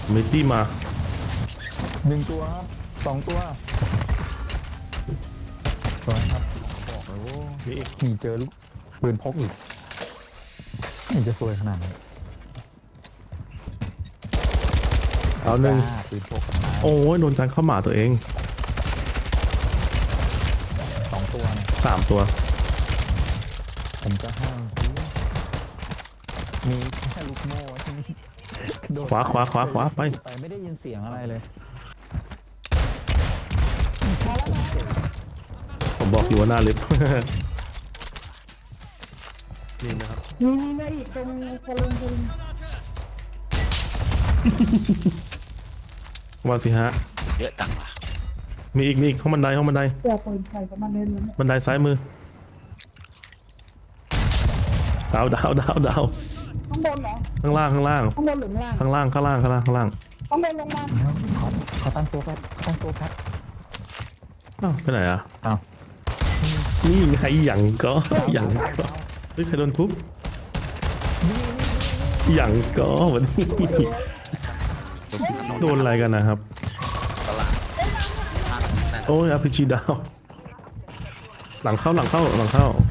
มิตี้มา 1 ตัวครับ2 ตัวตัวครับบอกเลยว่ามีอีกมีเจอลูกปืนพกอีกนี่จะซวยขนาดนี้เอาหนึ่งปืนพกกันมาโอ้ยโดนจานเข้าหมาตัวเอง 2 ตัวนะ 3 ตัวผมจะห้ามมีแค่ลูกโม่ที่นี่โดนขวาไปไม่ได้ยินเสียงอะไรเลยผมบอกอยู่ว่าหน้าลิฟต์ นี่นะครับมีมาอีกตรงกระลุงว่าสิฮะเยอะจังว่ะมีอีกห้องบันไดเสือปืนใส่ประมาณนี้เลยบันไดซ้ายมือดาวข้างบนเหรอข้างล่างข้างบนหรือข้างล่างข้างล่างข้างบนลงมาเขาตั้งตัวแป๊บอ้าวไปไหนอ่ะอ้าวนี่ไงอย่างก็เฮ้ยใครโดนทุบอย่างก็วันนี้โดนอะไรกันนะครับตลาดห้างนั่นโอ้ยอาพีจีดาวหลังเข้า